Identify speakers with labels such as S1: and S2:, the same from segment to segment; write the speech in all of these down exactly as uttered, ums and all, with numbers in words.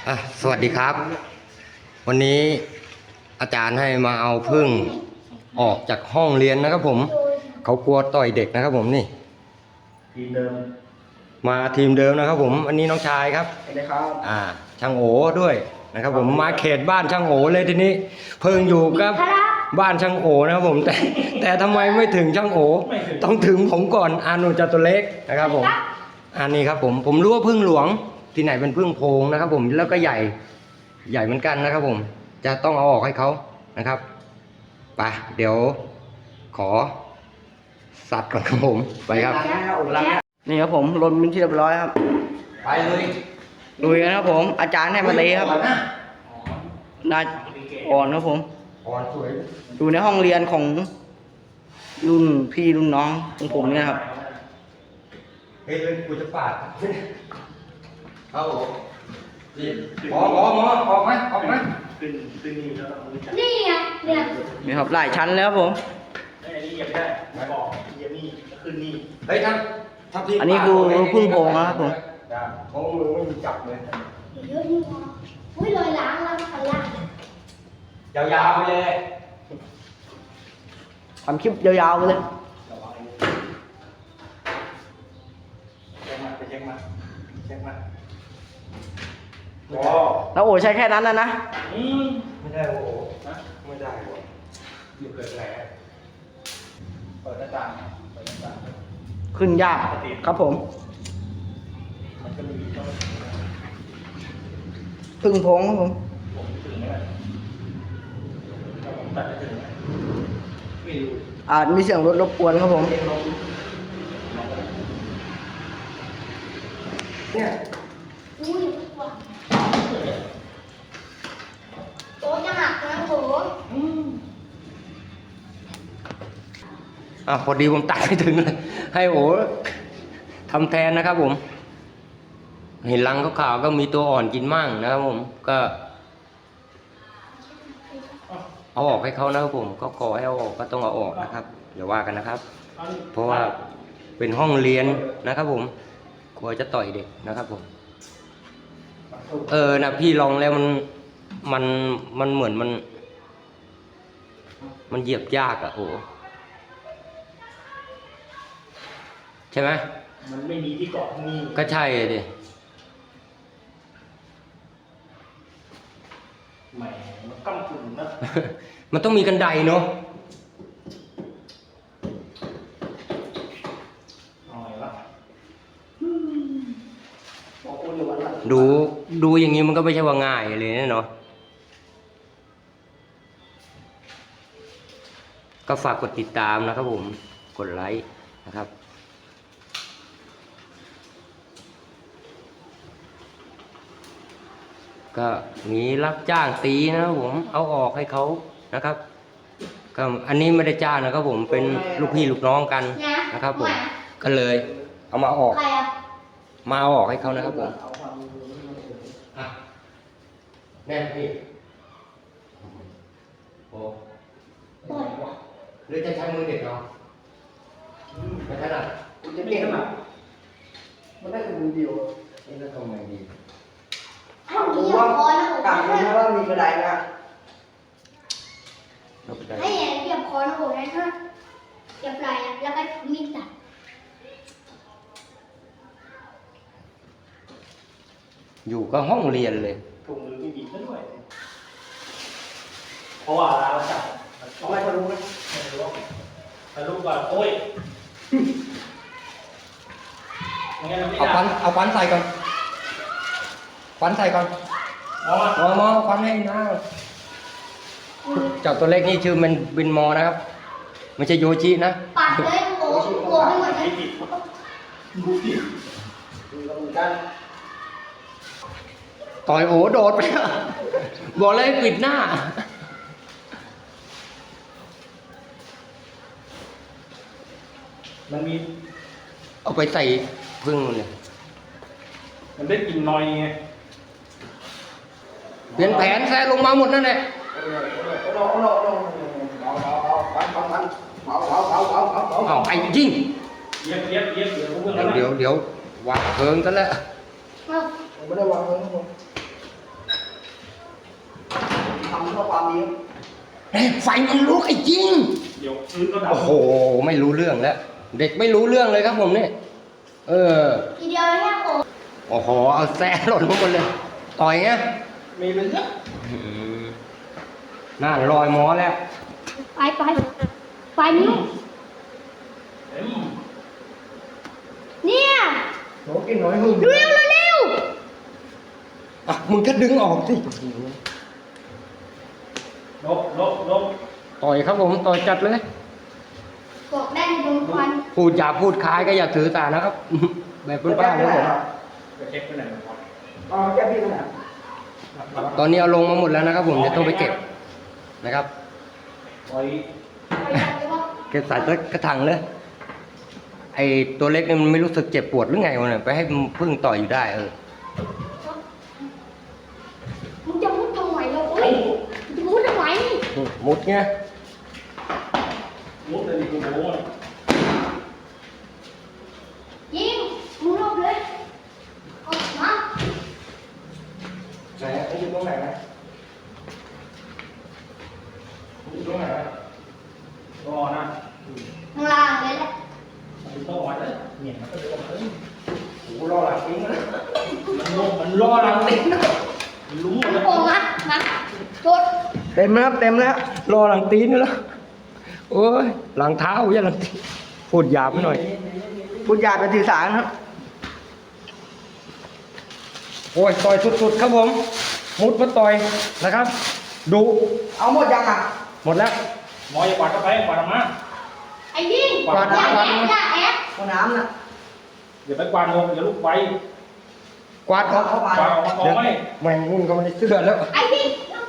S1: อ่ะสวัสดีครับ วันนี้อาจารย์ให้มาเอาพึ่งออกจากห้องเรียนนะครับผมเขากลัวต่อยเด็กนะครับผมนี่
S2: ทีมเดิม
S1: มาทีมเดิมนะครับผมอันนี้น้องชายครับ
S2: นะครับ
S1: อ่าช่างโอด้วยนะครับผมมาเขตบ้านช่างโอเลยทีนี้เพิ่งอยู่กับบ้านช่างโอนะครับผมแต่แต่ทำไมไม่ถึงช่างโอต้องถึงผมก่อนอานุจตุเล็กนะครับผมอันนี้ครับผมผมรู้ว่าพึ่งหลวงที่ไหนเป็นพึ่งโพงนะครับผมแล้วก็ใหญ่ใหญ่เหมือนกันนะครับผมจะต้องเอาออกให้เขานะครับไปเดี๋ยวขอสัตว์ก่อนครับผมไปครับ
S2: นี่ครับผมลนเป็นที่เรียบร้อยครับ
S1: ไปเลย
S2: ลุยกันครับผมอาจารย์ให้มาตีครับนายอ่อนครับผม
S1: อ่อนสวย
S2: อยู่ในห้องเรียนของรุ่นพี่รุ่นน้องของผมเนี่ยครับ
S1: เฮ้ยเลยกูจะปาดเอาดิหมอหมอหมอออกไหมออกไหมขึ้นขึ้นนี่แล้ว
S3: นี่ไงเนี่ย
S2: นี่ครับหลายชั้นแล้วครับผม
S4: อันนี้ยังไม่ได้ไม่บอกยังนี่ขึ้นนี่
S1: เฮ้ยครับทับที่
S2: อันนี้คือพึ่งโพงนะครับผม
S1: โพงมือไม่มีจับเลย
S3: เยอะนี่วะอุ้ยลอยล้างแล้วพันล้าง
S1: ยาวๆไปเลย
S2: ทำคลิปยาวๆไปเลย
S4: เช็คมาไปเช็คมาเช็คมาโอ้
S2: แล้วโอ้ใช้แค่นั้นนะนะ
S4: อืม
S1: ไม่ได้โอ้โหไม่ได้โอ้อยู่เกิดแผล
S4: เปิดหน้าต่างเปิดหน้าต่าง
S2: ขึ้นยากครับผม
S4: มันจะมีต้อง
S2: พึ่งโพงครับผม
S4: ผมถึงไหมถ้าผมตัดจะถึงไหมไม่รู้
S2: อาจมีเสียงรถรบกวนครับผม
S1: เนี่ย
S3: อุ้ยว่ะโต๊ะจะหักนะโห
S1: อ่ะพอดีผมตัดไม่ถึงเลยให้โอ้ทำแทนนะครับผมเห็นรังขาวๆก็มีตัวอ่อนกินมั่งนะครับผมก็เอาออกให้เขานะครับผมก็ขอให้เอาออกก็ต้องเอาออกนะครับอย่าว่ากันนะครับเพราะว่าเป็นห้องเรียนนะครับผมกลัวจะต่อยเด็กนะครับผมเออนะพี่ลองแล้วมันมันมันเหมือนมันมันเหยียบยากอะโอ้ใช่ไหม
S4: มันไม่มีที่เกาะนี่
S1: ก็ใช่ดิ
S4: แหมมันก้ำกึ่งนะ
S1: มันต้องมีกันไดเนาะ
S4: เอาไงวะ
S1: ดูดูอย่างนี้มันก็ไม่ใช่ว่าง่ายเลยนะเนาะก็ฝากกดติดตามนะครับผมกดไลค์นะครับก็มีรับจ้างตีนะครับผมเอาออกให้เขานะครับก็อันนี้ไม่ได้จ้างนะครับผมเป็นลูกพี่ลูกน้องกันนะครับผมก็เลยเอามาออกมาเอาออกให้เขานะครับผมแน่นพี่โอ้หรือจะใช้มือเด็กเนาะไม่ถนัด
S2: จะเรียกมามันได้เป็นเดียว
S1: นี่จะทำไงดี
S3: ผมว่ากลับมา
S2: ว่ามีกระไดนะ
S3: ให้เหยียบคอนะผมนะฮะเหยียบไหล่แล้วก็มีดตัด
S1: อยู่ก็ห้องเรียนเลย
S4: ถุงมือไม่มีด้วยเพราะว่าเราจับ
S2: เอาไว้ทะลุไหม
S4: ไม่รู้ทะลุก่อนโอ้ย
S1: เอาฟันเอาฟันใส่ก่อนฟันใส่ก่อนมอมอมอฟันให้นะเจ้าตัวเล็กนี่ชื่อมันบินมอนะครับไม่ใช่โยชินะ
S3: ปัดเลยโอ้โหกลัวไปหมดเลย
S1: ต่อยโอ้โดดไปบอกเลยปิดหน้า
S4: มันมี
S1: เอาไปใส่พึ่งเลย
S4: มันได้กลิ่นนอยไง
S1: เปลี่ยนแผนแซ่ลงมาหมดนั่นแหละเอาไอ้ยิง
S4: เย็บเย็บเย็บเดี๋ยวเพิ่ง
S1: เดี๋ยวเดี๋ยววางเพลิงกันแล้ว
S2: ไม่ได้วางเลยครับผมดีเพื่อความดี
S1: เฮ้ยไฟมันลุกไอ้จริง
S4: เดี๋ยวพื้นก็ดับ
S1: โอ้โห ไม่รู้เรื่องแล้ว เด็กไม่รู้เรื่องเลยครับผมเนี่ย เออ
S3: ทีเดียวแค่โอ้
S1: โอ้โห เอาแซ่หล่นมาหมดเลย ต่อยเงี้ย
S4: มีเป็นเยอะ
S1: อืมน่าลอยหมอแล้ว
S3: ไปไปไปนิ้ว
S4: เต็ม
S3: เนี่ย
S1: โหกินน้อยมึง
S3: เร็วเร็วเร็ว
S1: อ่ะมึงก็ดึงออกสิ
S4: ลบลบลบ
S1: ต่อยครับผม ต่อยจัดเลย
S3: บอกได้ในดวงควัน
S1: พูดอย่าพูดคล้ายก็อย่าถือสานะครับ แบบบ้านๆนะผม
S4: จะเช็คไปไหนหมด
S2: อ๋อแก้พี่ไปไหน
S1: ตอนนี้เอาลงมาหมดแล้วนะครับผมเดี๋ยวต้องไปเก็บนะครับ
S4: ปล่อย
S3: ไปจับเลยว่า
S1: เก็บใส่กระถางเลย ไอตัวเล็กเนี่ยมันไม่รู้สึกเจ็บปวดหรือไงวะเนี่ยไปให้มันพึ่งต่อยอยู่ได้เออ
S3: มึงจะมุดทำไมเราโอ้ยมึงจะมุดทำไม
S1: มุดไง
S4: มุดเลยดิกูโม้
S3: ยิงมึงรอบเลยออกมา
S1: ไหนไอ้อยู่ตรงไหนนะอยู่ตรงไหนนะ
S4: รอนะ
S3: ข้างล่างเลยแหละ
S4: มันต้องวัดเลยเนี่ยมันก็เดินมาเลย
S1: โอ้โหรอหลังทิ้งเลย
S4: มันลงมันรอหลังติดมันรู้หมดเลย
S3: โอ้มามาโดด
S2: เต็มแล้วครับเต็มแล้ว
S1: รอหลังตีนนี่แล้วโอ้ยหลังเท้าอย่าหลังตีนพูดหยาบไปหน่อย
S2: พูดหยาบไปถือสารครับ
S1: โอ้ยต่อยสุดๆครับผม มุดมาต่อยนะครับ ดู
S2: เอาหมดยังอ่ะ
S1: หมดแล้ว
S4: หมออย่ากวาดเข้าไปกวาดออกมา
S3: ไอ้ยิง
S1: กวาด
S3: อย่า
S1: กวาด
S3: แอบอย่าแอบ
S2: ห้องน้ำน่ะ
S4: อย่าไปกวาดลงอย่าลุกไป
S1: กวาดออก
S2: เข้ามา
S4: กวาดออกมากองไว้
S1: แม่งมุ่นก็ไม่ได้เสื้อแล้ว
S3: ไอ้ยิง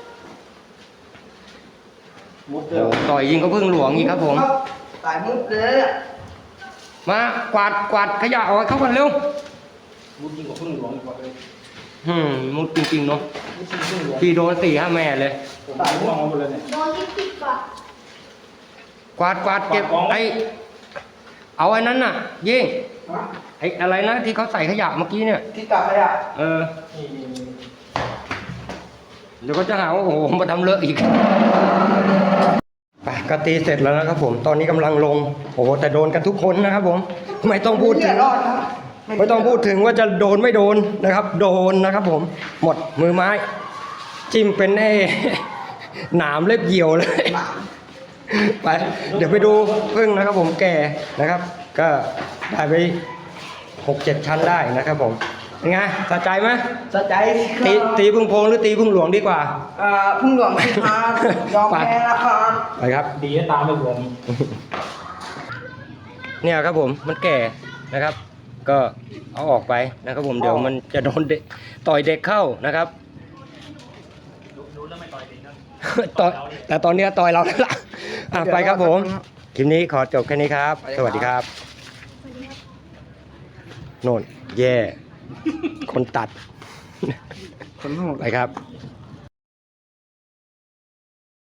S4: มุด
S1: โอ้
S4: เร็ว
S1: โหต่อยยิงก็พึ่งหลวงอีกครับผม
S2: สายมุกเลยอะ
S1: มากวาดกวาดขยะออกให้เข้ากันเร็ว
S4: มุดยิ่งกว่าพึ่งหลวงอีกว่าเลย
S1: หืมมุดจริงๆเนาะ
S4: มุดยิ่งกว่าพึ่งหลวง
S1: พี่โดนสี่ห้าแม่เลย
S4: ผมตายมุดออกมาหมดเลยเนี่ย
S3: โดนที่ติดก่อน
S1: กวาดกวาดเก็บ
S4: กวาดของ
S1: ไอเอาไอ้นั้นน่ะ ยิ่ง
S2: ฮะ
S1: ไออะไรนะที่เขาใส่ขยะเมื่อกี้เนี่ย
S2: ที่กลับไปอ่ะ
S1: เออ
S4: นี่นี่นี่
S1: เดี๋ยวก็จะหาว่าโอ้โหมาทำเลอะอีกไปก็ตีเสร็จแล้วนะครับผม ตอนนี้กำลังลง โอ้โหแต่โดนกันทุกคนนะครับผม ไม่ต้องพูดถึง
S2: ไม่รอดครับ
S1: ไม่ต้องพูดถึงว่าจะโดนไม่โดนนะครับ โดนนะครับผม หมดมือไม้ จิ้มเป็นไอ้ หนามเล็บเหี่ยวเลย ไป เดี๋ยวไปดูพึ่งนะครับผมแก่นะครับ ก็ได้ไปหกเจ็ดชั้นได้นะครับผมเป็นไงสะใจไหม
S2: สะใจสิครับ
S1: ตีตีพึ่งโพงหรือตีพึ่งหลวงดีกว่า
S2: เอ่อพึ่งหลวงสิครับยอมแพ้แล้วครับ
S1: ไปครับ
S4: ดีนะตามไปผม
S1: เนี่ยครับผมมันแก่นะครับ ก็เอาออกไปนะครับผมเดี๋ยวมันจะโดนเด็กต่อยเด็กเข้านะครับ
S4: ดูแล้วไม่ต่อยดีนะ
S1: ต่อยแต่ตอนเนี้ยต่อยเราแล้วล่ะอ่ะไปครับผมคลิปนี้ขอจบแค่นี้ครับ สวัสดีครับโน่นแย่คนตัด
S2: คนโหด
S1: ไปครับ
S2: ค